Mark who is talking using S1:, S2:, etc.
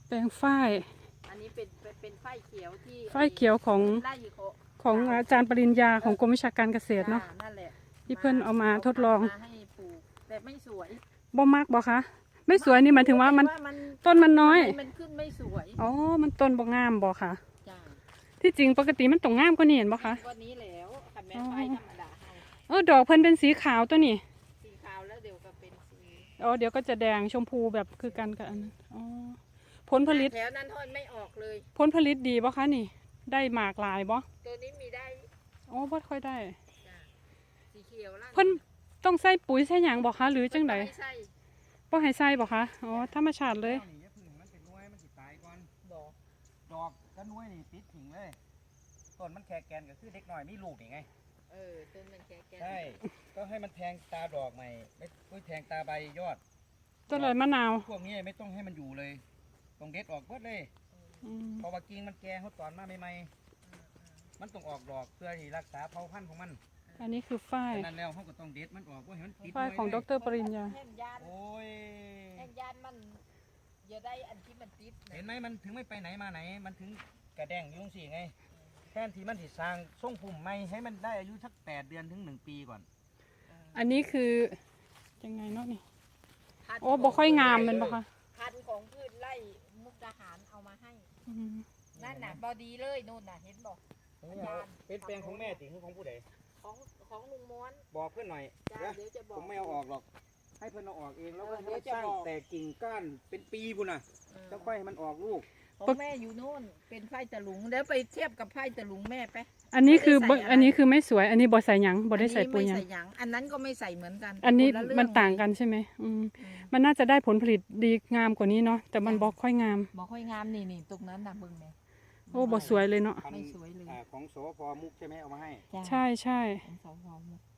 S1: แปลงฝ้าย
S2: อันนี้เป็นฝ้ายเขียวที่
S1: ฝ้ายเขียวของอาจารย์ปริญญาของกรมวิชาการเกษตรเนาะ
S2: นั่นแหละ
S1: ที่เพื่อนเอามาทดลอง
S2: ให้ปลูกแต่ไม่สวย
S1: บ่มากบ่คะไม่สวยนี่หมายถึงว่ามันต้นมันน้อย
S2: มันขึ้นไม่สวย
S1: อ๋อมันต้นบ่งามบ่คะ
S2: จ้า
S1: ที่จริงปกติมันต้องงามกว่านี้เห็นบ่คะ
S2: ก็นี้แล้วค่ะแม่ไฟธรรมดา
S1: ดอกเพิ่นเป็นสีขาวตัวนี้
S2: สีขาวแล้วเดี๋ยวก็เป็นสี
S1: เดี๋ยวก็จะแดงชมพูแบบคือกันกับอันนั้นผลผลิต
S2: แถวนั้นทอดไม่ออกเลย
S1: ผลผลิตดีบ่คะนี่ได้หมากหลายบ่
S2: ตัวนี้มีได้
S1: บ่ค่อยได้
S2: สีเขียว
S1: เพิ่นต้องใส่ปุ๋ยใส่หยังบ่คะหรือจังไดบ่ให้ใส่บ่คะธรรมชาติเลย
S3: ดอกก็น้อยนี่ติดถิ่งเลยต้นมันแค่แกนก็คือเด็กหน่อยมีลูกนี่ไง
S2: ต้นมันแค่แกน
S3: ใช่ก็ให้มันแทงตาดอกใหม่ไม่แทงตาใบยอด
S1: ต้นเลยมะนาว
S3: พวกนี้ไม่ต้องให้มันอยู่เลยต้องเด็ดออกเบิดเลยพอว่ากิ่งมันแก่เขาตอนมาใหม่ๆมันต้องออกดอกเพื่อที่รักษาเผ่าพันธุ์ของมัน
S1: อันนี้คือฝ้าย
S3: นั่นแล้วเขาก็ต้องเด็ดมันออกเพราะเห็น
S1: ฝ้ายของดร.ปริญญา
S3: โอ้ย
S2: แห่งยานมันอย่าได้อันที่มันติด
S3: เห็นไหมมันถึงไม่ไปไหนมาไหนมันถึงกระแดงยุ่งสิไงแทนที่มันสิสร้างทรงพุ่มไม่ให้มันได้อายุสัก8 เดือนถึง1 ปีก่อน
S1: อันนี้คือยังไงเนาะนี่บ่ค่อยงามมันบ่คะ
S2: พันธุ์ของพืชไร่มุกดาหารเอามาให้นั่นน่ะบอดีเลยนู่นน่ะเห็นบอก
S3: เป็นแปลงของแม่ติหรือของผู้ใด
S2: ของลุงม้วน
S3: บอกเพื่อนหน่อย
S2: เดี๋ยวจะบอก
S3: ผมไม่เอาออกหรอกให้เพื่อนเอาออกเองแล้วก็สร้างแต่กิ่งก้านเป็นปีพุ่นน่ะแล้วค่อยให้มันออกลูก
S2: ของแม่อยู่โน่นเป็นไผ่ตะลุงเดี๋ยวไปเทียบกับไผ่ตะลุงแม่ไป
S1: อันนี้คือไม่สวยอันนี้บ่ใส่หยังบ่ได้ใส่ปุ๋ยหยัง
S2: อันนั้นก็ไม่ใส่เหมือนกัน
S1: อันนี้มันต่างกันใช่ไหมมันน่าจะได้ผลผลิตดีงามกว่านี้เนาะแต่มันบ่ค่อยงาม
S2: นี่ตรงนั้นนะมึงเนี่ย
S1: บ่สวยเลยเนาะ
S2: ไม่สวยเลย
S3: ของสพ.มุกใช่ไหมเอามาให้
S1: ใช่
S2: ของสพ.มุก